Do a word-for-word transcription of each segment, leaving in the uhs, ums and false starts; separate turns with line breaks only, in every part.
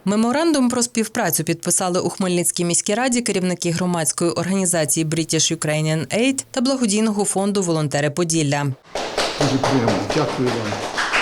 Меморандум про співпрацю підписали у Хмельницькій міській раді керівники громадської організації British Ukrainian Aid та благодійного фонду «Волонтери Поділля».
Дуже приємно. Дякую вам.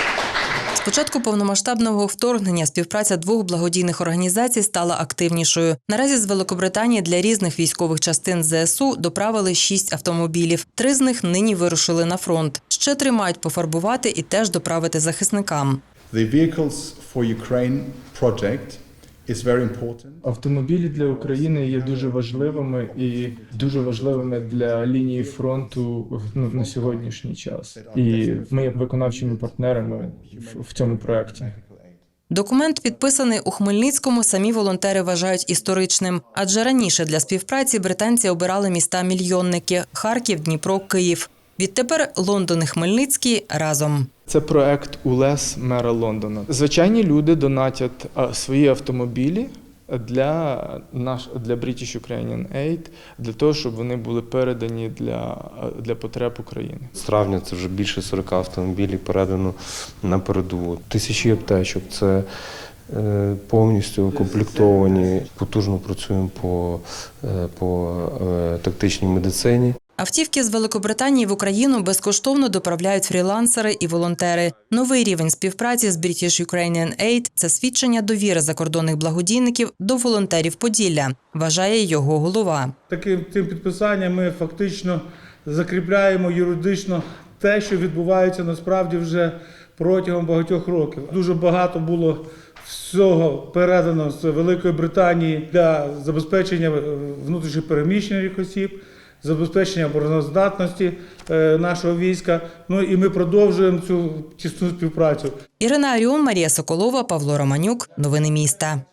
З початку повномасштабного вторгнення співпраця двох благодійних організацій стала активнішою. Наразі з Великобританії для різних військових частин зе ес у доправили шість автомобілів. Три з них нині вирушили на фронт. Ще три мають пофарбувати і теж доправити захисникам.
The Vehicles for Ukraine project is very important.
Автомобілі для України є дуже важливими і дуже важливими для лінії фронту ну, на сьогоднішній час. І ми є виконавчими партнерами в, в цьому проєкті.
Документ, підписаний у Хмельницькому, самі волонтери вважають історичним. Адже раніше для співпраці британці обирали міста-мільйонники – Харків, Дніпро, Київ. Відтепер Лондон і Хмельницький разом.
Це проект УЛЕС мера Лондона. Звичайні люди донатять свої автомобілі для наш для British Ukrainian Aid, для того, щоб вони були передані для, для потреб України.
З травня це вже більше сорока автомобілів передано на передову. Тисячі аптечок – це повністю укомплектовані. Потужно працюємо по, по тактичній медицині.
Автівки з Великобританії в Україну безкоштовно доправляють фрілансери і волонтери. Новий рівень співпраці з British Ukrainian Aid – це свідчення довіри закордонних благодійників до волонтерів Поділля, вважає його голова.
Таким цим підписанням ми фактично закріпляємо юридично те, що відбувається насправді вже протягом багатьох років. Дуже багато було всього передано з Великої Британії для забезпечення внутрішніх переміщених осіб, забезпечення обороноздатності нашого війська. Ну і ми продовжуємо цю тісну співпрацю.
Ірина Аріон, Марія Соколова, Павло Романюк. Новини міста.